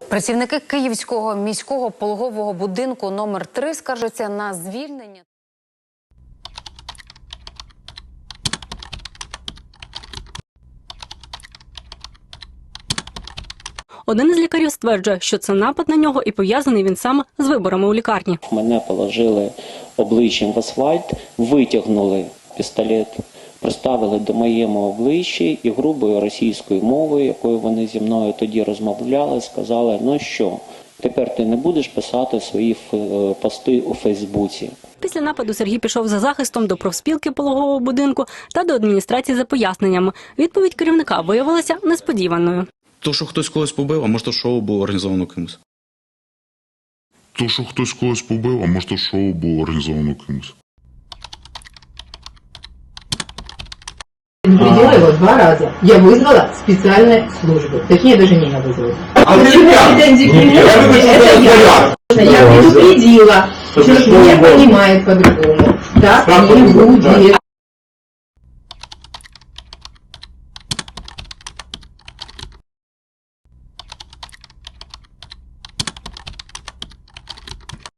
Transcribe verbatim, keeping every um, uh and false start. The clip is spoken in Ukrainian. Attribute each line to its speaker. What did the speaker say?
Speaker 1: Працівники Київського міського пологового будинку номер три скаржаться на звільнення.
Speaker 2: Один із лікарів стверджує, що це напад на нього і пов'язаний він саме з виборами у лікарні.
Speaker 3: Мене положили обличчям в асфальт, витягнули пістолет, приставили до моєму обличчя і грубою російською мовою, якою вони зі мною тоді розмовляли, сказали: ну що, тепер ти не будеш писати свої пости у Фейсбуці.
Speaker 2: Після нападу Сергій пішов за захистом до профспілки пологового будинку та до адміністрації за поясненнями. Відповідь керівника виявилася несподіваною.
Speaker 4: То, що хтось когось побив, а може то шоу було організовано кимось.
Speaker 5: То, що хтось когось побив, а може то шоу було організовано кимось.
Speaker 6: Предупредила его два раза. Я вызвала специальные службы. Точнее, даже меня вызвали.
Speaker 7: А
Speaker 6: почему претензии к нему? Это я. Я предупредила, что не понимает по-другому. Так не будет.